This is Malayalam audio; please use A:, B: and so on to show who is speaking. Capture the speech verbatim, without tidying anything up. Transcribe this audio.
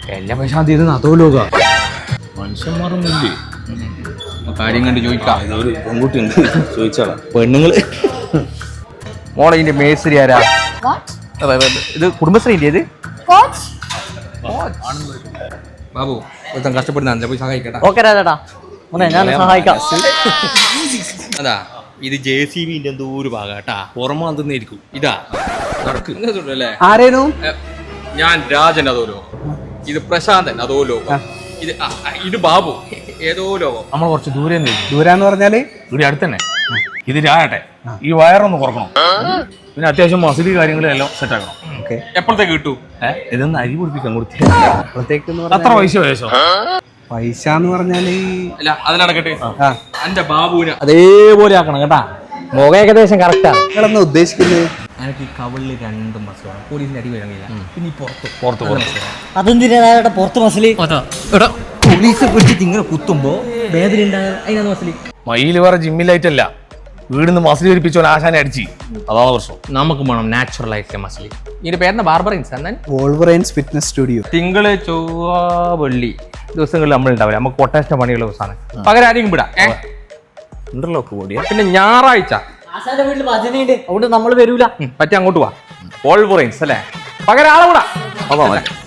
A: എല്ലാ പൈസ തീരുന്ന അതോ ലോക
B: മനുഷ്യന്മാരൊന്നുമില്ലേ?
A: കാര്യം കണ്ട് ചോദിക്കാം.
B: ഇതൊരു പെൺകുട്ടിയുണ്ട്, ചോദിച്ചാളാ. പെണ്ണുങ്ങള്
A: മോളെ ഇതിന്റെ മേസ്ത്രി ആരാ? ഇത് കുടുംബശ്രീന്റെ ഇത് ബാബു ഒരുത്തൻ കഷ്ടപ്പെടുന്ന അഞ്ചാ പോയി സഹായിക്കട്ടെ.
C: ഓക്കെ രാജേട്ടാ, ഞാൻ സഹായിക്കാം.
A: അതാ ഇത് ജെ സി ബിന്റെ എന്തോ ഒരു ഭാഗാട്ടാ,
B: പുറമെ തന്നെയായിരിക്കും.
A: ഇതാ നടക്ക് അല്ലേ?
C: ആരേനു?
A: ഞാൻ രാജൻ അതോ ലോകം, ഇത് പ്രശാന്തൻ അതോ ലോകം, ഇത് ആ, ഇത് ബാബു ഏതോ ലോകം.
B: നമ്മൾ കുറച്ച് ദൂരെ
C: ദൂരാന്ന് പറഞ്ഞാല്
B: ഇവിടെ അടുത്ത് തന്നെ. ഇത് രാട്ടെ, ഈ വയറൊന്ന് കുറക്കണം, പിന്നെ അത്യാവശ്യം മസിലി കാര്യങ്ങളും എല്ലാം സെറ്റ് ആക്കണം.
A: എപ്പോഴത്തേക്ക് കിട്ടൂ?
B: ഏഹ് ഇതൊന്ന് അരി പിടിപ്പിക്കാൻ കൊടുത്തി.
C: അപ്പോഴത്തേക്ക്
B: അത്ര പൈസ വയസ്സോ?
C: പൈസ എന്ന് പറഞ്ഞാല്
A: അല്ല അതിനടക്കട്ടെ, എന്റെ ബാബുവിന്
B: അതേപോലെ ആക്കണം കേട്ടാ.
C: മുഖം ഏകദേശം കറക്റ്റാ. നിങ്ങളെന്നാ ഉദ്ദേശിക്കുന്നത്?
A: എനിക്ക് ഈ കവളില് രണ്ട് മസലാണ്, പോലീസിന്റെ അടി വരാൻ കഴിയില്ല. പിന്നെ ഈ പുറത്ത്
B: പുറത്ത് പുറത്ത്
C: അതെന്തിനാ പുറത്ത് മസിലി?
A: പോലീസ് പിടിച്ചിട്ട് ഇങ്ങനെ കുത്തുമ്പോ വേദന ഉണ്ടാകും, അതിനാണ് മസിലി.
B: മയില് വേറെ ജിമ്മിലായിട്ടല്ല, വീടിന്ന് മസിലി ധരിപ്പിച്ചോ ആശാനെ അടിച്ച്, അതാണ് പ്രശ്നം.
A: നമുക്ക് വേണം നാച്ചുറൽ ആയിട്ട് മസിലി. ഇതിന്റെ പേരെന്താ? ബാർബറിൻസ്. എന്നാൽ
C: വോൾവറൈൻസ് ഫിറ്റ്നസ് സ്റ്റുഡിയോ.
A: തിങ്കള് ചൊവ്വ വെള്ളി ദിവസങ്ങളിൽ നമ്മൾ ഉണ്ടാവില്ല, നമുക്ക് കൊട്ടേഷൻ പണിയുള്ള ദിവസമാണ്. പകരം ആരെയും വിടാം.
B: ഇന്റർലോക്ക് കൂടിയ
A: പിന്നെ ഞായറാഴ്ച
C: വീട്ടിൽ ഭജനയുണ്ട്, അതുകൊണ്ട് നമ്മൾ വരൂല.
A: പറ്റി അങ്ങോട്ട് പോവാ. വോൾവറൈൻസ് അല്ലേ, പകരം ആളെ വിടാം.
B: അതാ